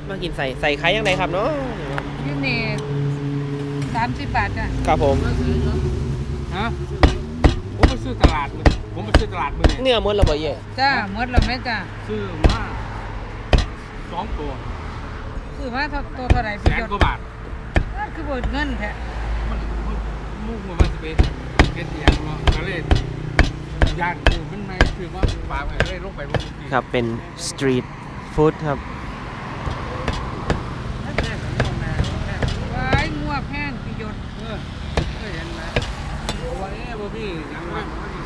มากินใส่ไข่ยังไงครับเนาะยูนี่30 บาทจ้ะครับผมฮะผมไปซื้อตลาดเลยผมไปซื้อตลาดมือเนี่ยเนื้อมันระเบิดเย่จ้าหมดแล้วแม่จ้ะซื้อมา2 ตัวคือว่าตัวเท่าไหร่แสพี่นยศกว่าบาทนั่นคือบ่เงินแท้ลูกมันจะเป็นเอียงเนาะก็เลยย่านคือมันไม่คือว่าฝากอะไรลงไปบนทีครับเป็นสตรีทฟู้ดครับว้ายงัวแพงพี่ยศเห็นไหมว่าบ่มียังว่า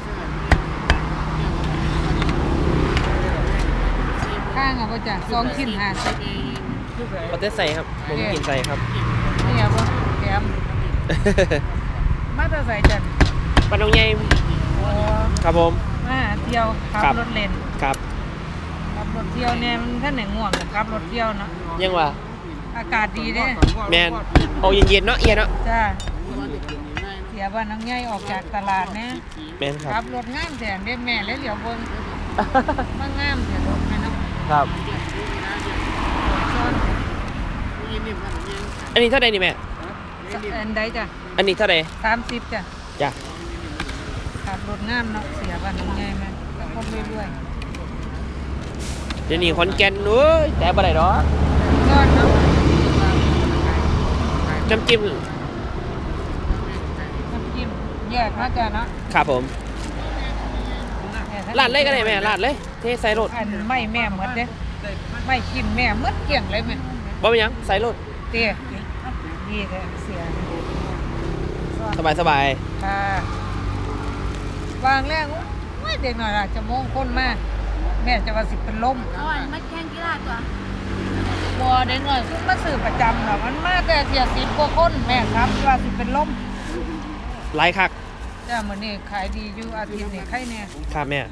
ข้างเอาบ่จ้ะ2ชิ้น50 เขาจะใส่ครับผมกินใส่ครับนี่เอาบ่แถมมาแต่ใส่จ้ะปลาน้องใหญ่โอ้ครับผมมาหาเที่ยวขับครับรถเล่นครับขับรถเที่ยวเนี่ยมันท่านไหนง่วงก็ขับรถเที่ยวเนาะยังว่าอากาศดีเด้แมนเอาเย็นๆเนาะเอียเนาะจ้าเสียบ้านน้องใหญ่ออกจากตลาดนะแมนคขัรับบรถงามแสนเด้แม่แล้วเหลียวเบิ่งมางามแสนรถแม่เนาะครับซ้อนอันนี้เท่าไหร่นี่แม่อันใดจ้ะอันนี้เท่าไหร่ 30จ้ะจ้ะขับรถงามเนาะเสียบ้านน้องใหญ่มาก็คนเรื่อยเดี๋ยวนี้ขอนแก่นเอ้ยแต่บ่ได้ดอกๆซ้อนเนาะน้ำจิ้มน้ำจิ้มแยกมาจ้ะเนาะครับผมลาดเลยก็ได้แม่ลาดเลยเทใส่รถอันไม่แม่หมดเด้ไม่กินแม่หมดเกลี้ยงเลยแม่บ่เป็นหยังใส่รถเตี้ยดีแท้เสียสบายค่ะวางแรกโอ้ยเด็กหน่อยล่ะจะโมงคนมาแม่จะว่าสิเป็นลมเอาอันมาแข่งกีฬาตัวบัวเด็กหน่อยขึ้นมาสื่อประจำหรอมันมาแต่เทีย10 กว่าคนแม่ครับว่าสิเป็นลมๆหลายคักจ้ามื้อนี้ขายดีอยู่อาทิตย์นี้ใครแน่ครับแม่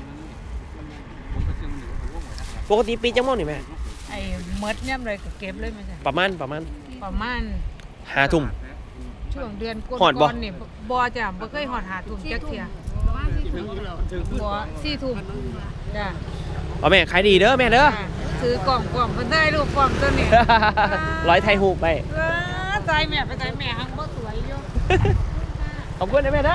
ปกติปีจังม่วงนี่แม่ไอ้เมดย่ำเลยก็เก็บเลยแม่จ้ะประมาณประมาณ 5 ทุ่มช่วงเดือนก่ฮอดบ่อนๆนี่บ่จ้ะบ่เคยฮอดหาทุ่มจักเที่ยประมาณ4 ทุ่มแล้วบ่4 ทุ่มจ้ะเอาแม่ขายดีเด้อแม่เด้อซื้อกล่องเพิ่นได้รูปกล่องตัวนี้ร้อยไทยฮูกไปใจแม่ไปใจแม่หังบ่สวยอยู่ขอบคุณนะแม่เด้อ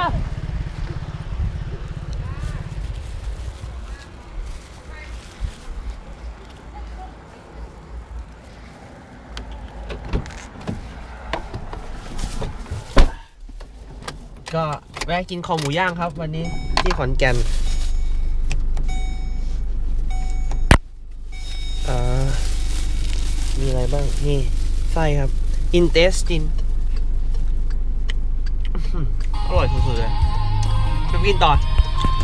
ก็แวะกินคอหมูย่างครับวันนี้ที่ขอนแก่นมีอะไรบ้างนี่ไส้ครับ intestine อร่อยสุดๆเลยไปกินต่อ